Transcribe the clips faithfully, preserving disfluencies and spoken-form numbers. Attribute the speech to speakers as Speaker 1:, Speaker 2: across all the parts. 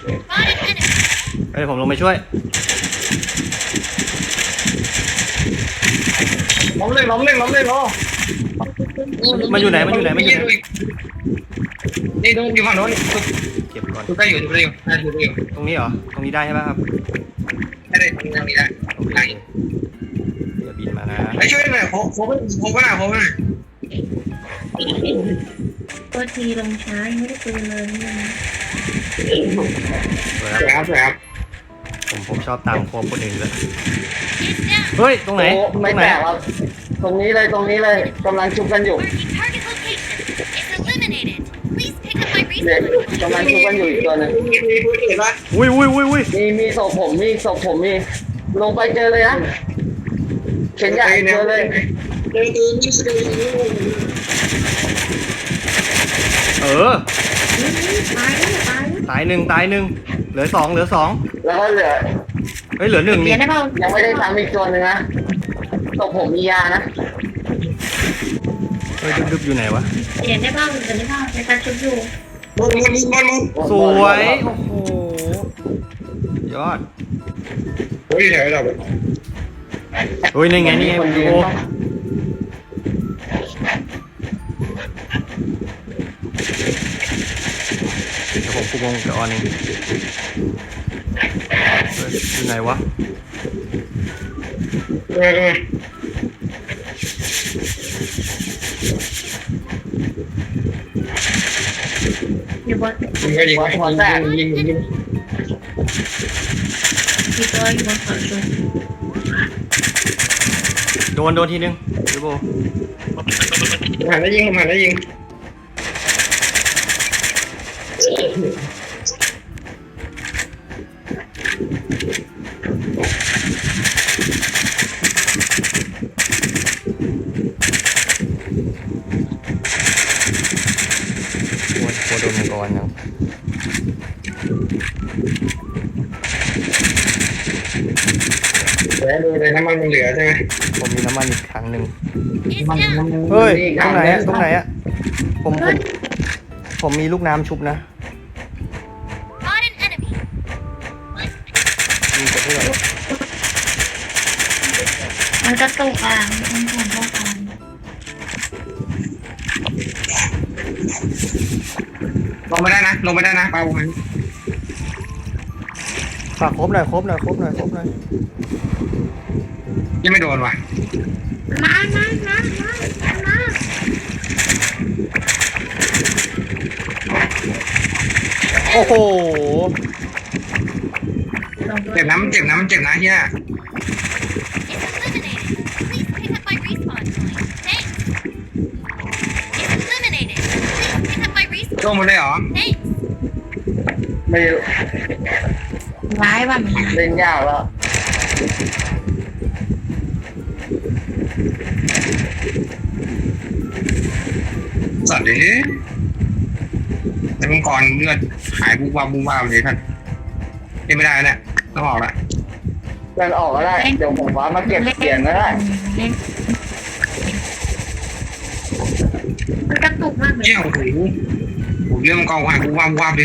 Speaker 1: เฮ้ยผมลงไปช่วย
Speaker 2: ล้มเลยล้มเลยล้มเลยล้ม
Speaker 1: มันอยู่ไหนมันอยู่ไหนมันอยู่ไหน
Speaker 2: นี่ตรงอยู่ฝั่งโน้น
Speaker 1: เก็บก่อน
Speaker 2: ทุกได้อยู่ทุกได้อยู่ได้ทุกได้อยู่
Speaker 1: ตรงนี้เหรอตรงนี้ได้ใช่ป่ะครับ
Speaker 2: ได้ได้ตรงนี้ได้
Speaker 1: โอเคอย่าบินมานะ
Speaker 2: ไอ้ช่วยหน่อยโค้งโค้งโค้งก็ได้โค้งก็ได้
Speaker 3: ตัวทีลงช้าไม่ได้ปืนเลยนี่
Speaker 2: สวยครับสวยครับ
Speaker 1: ผมผมชอบตามโค้งคนอื่นเลยเฮ้ยตรงไหนตรงไหนครับ
Speaker 4: ตรงนี้เลยตรงนี้เลยกำลังชุบกันอยู่เด็กกำลังชุบกันอยู่อีกตัวหนึ่ง
Speaker 1: อุ้ยอุ้ยอุ้ยอุ้ย
Speaker 4: มีมีศพผมมีศพผมมีลงไปเจอเลยนะเข็นใหญ่เจอเลย
Speaker 1: เออตายหนึ่งตายหนึ่งเหลือสองเหลือสอง
Speaker 4: แล้วก็เหลือ
Speaker 1: เฮ้ยเหลือหนึ่งนี่
Speaker 4: ยังไม่ได้ทำอีกตัวหนึ่งนะศพผมมียานะ
Speaker 1: เฮ้ยดึบๆอยู่ไหนวะ
Speaker 3: เดี๋ยวได้บ้างเดี๋ยวได้บ้างในการชุบอยู่
Speaker 2: มุนมุนมุนมุน
Speaker 1: สวยโอ้โหยอด
Speaker 2: เฮ้ยเดี๋ยวเดี๋ยว
Speaker 1: เฮ้ยนี่ไงนี่ไงโอ้เดี๋ยวผมคุมวงกับออนเองอยู่ไหนวะ
Speaker 2: เออเออ
Speaker 3: อยู่บน
Speaker 2: ยิงก็ยิงยิงยิงยิง
Speaker 3: มีตัวอยู่บนเขาชุบ
Speaker 1: โดนโดนทีนึงดูโบ
Speaker 2: หันแล้วยิงหันแล้วยิง
Speaker 1: โคโดนมังกรยัง
Speaker 2: แล้วดูเลยน้ำมันมันเหลือใช่ไหม
Speaker 1: ผมมีน้ำมันอีกครั้งหนึ่ง
Speaker 2: มันมัน
Speaker 1: เฮ้ยตรงไหนอะตรงไหนอะผมผมผมมีลูกน้ำชุบนะ
Speaker 3: มันกระตุกอ่ะมันถูกเข้าไป
Speaker 2: ลงไม่ได้นะลงไม่ได้นะปลาบุญ
Speaker 1: ฝากครบหน่อยครบหน่อยครบหน่อยครบหน่อย
Speaker 2: ยังไม่โดนว่ะ
Speaker 3: มามามามามา
Speaker 1: โอ้โห
Speaker 2: เจ็บน้ำเจ็บน้ำเจ็บนะเฮียลงมาเลยเหรอ
Speaker 4: ไม่
Speaker 3: ร้ายว่ะมี
Speaker 4: เล่นยากแล้ว
Speaker 2: สัตว์ดิแต่มังกรเลือดหายบูบวาบูบวาเลยท่านยังไม่ได้เนี่ยต้องออกละ
Speaker 4: เดินออกก็ได้เดี๋ยวผมว่ามาเก็บเสียงก็ได้
Speaker 3: มันกระตุกมากเลย
Speaker 2: เนี่ยโอ้โหเรื่องมังกรหายบูบวาบูบวาเลย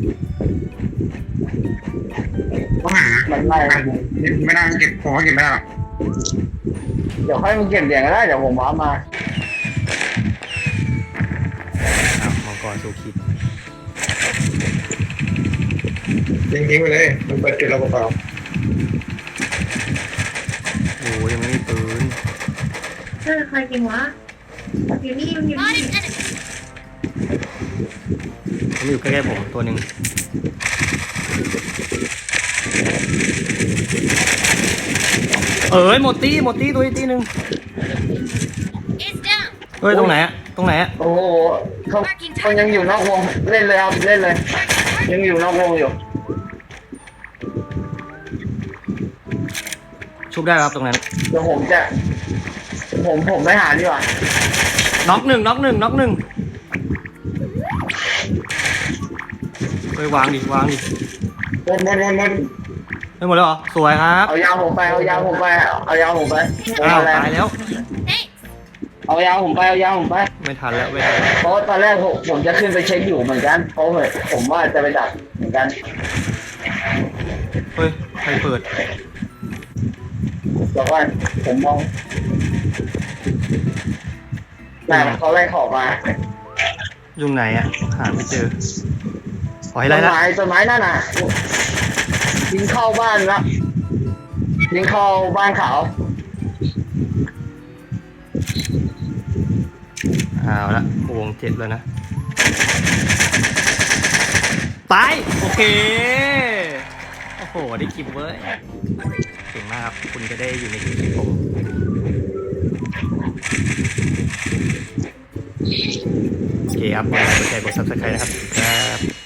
Speaker 2: ต้องหา
Speaker 4: มันไล่
Speaker 2: ไม่ได้เก็บผมว่าเก็บไม่ได้หรอก
Speaker 4: เดี๋ยวค่อยมาเก็บเสียงก็ได้เดี๋ยวผมว่ามา
Speaker 1: มังกรสู้คิด
Speaker 2: ยิงทิ้งไปเลยมันเปิดจุดเราเปล่า
Speaker 1: โอ้ยังไม่มีปืน
Speaker 3: เออใครจริงวะอยู่นี่อยู่นี่
Speaker 1: ผมอยู่ใกล้ๆผมตัวหนึ่งเอ้ยหมดตีหมดตีตัวอีกตีหนึ่งเฮ้ยตรงไหนอะตรงไหนอะ
Speaker 4: โอ้โหเขาเขายังอยู่นอกวงเล่นเลยครับเล่นเลยยังอยู่นอกวงอยู่
Speaker 1: ชุบได้ครับตรงนั้น
Speaker 4: เดี๋ยวผมจะผมผมไม่หาดีกว่า
Speaker 1: น็อกหนึ่งน็อกหนึ่งน็อกหนึ่งไปวางดิวางดิ
Speaker 2: หมดหมดหมดหมด
Speaker 1: ไม่หมดแล้วเหรอสวยครับ
Speaker 4: เอายาวผมไปเอายาวผมไปเอายาวผมไป
Speaker 1: อ้าวตายแล้ว
Speaker 4: เอายาผมไปเอายาผมไป
Speaker 1: ไม่ทันแล้วไม่ทันแล้ว
Speaker 4: เพราะตอนแรกผมผมจะขึ้นไปเช็คอยู่เหมือนกันเพราะผมว่าจะไปดักเหมือนกัน
Speaker 1: เฮ้ยใครเปิด
Speaker 4: แต่ว่าผมมองแต่เขาไล่ขอบมา
Speaker 1: ยุงไหนอ่ะหาไม่เจอขอให้
Speaker 4: ต้
Speaker 1: ไล่
Speaker 4: น
Speaker 1: ละ
Speaker 4: ไม้ต้นไม้นั่นน่ะยิงเข้าบ้านละยิงเข้าบ้านเขา
Speaker 1: เอาละวงเจ็ดแล้วนะตายโอเคโอ้โหได้คลิปเว้ยเก่งมากครับคุณจะได้อยู่ในคลิปผม โอเคครับกดไลค์กดแชร์กดซับสไครต์นะครับครับ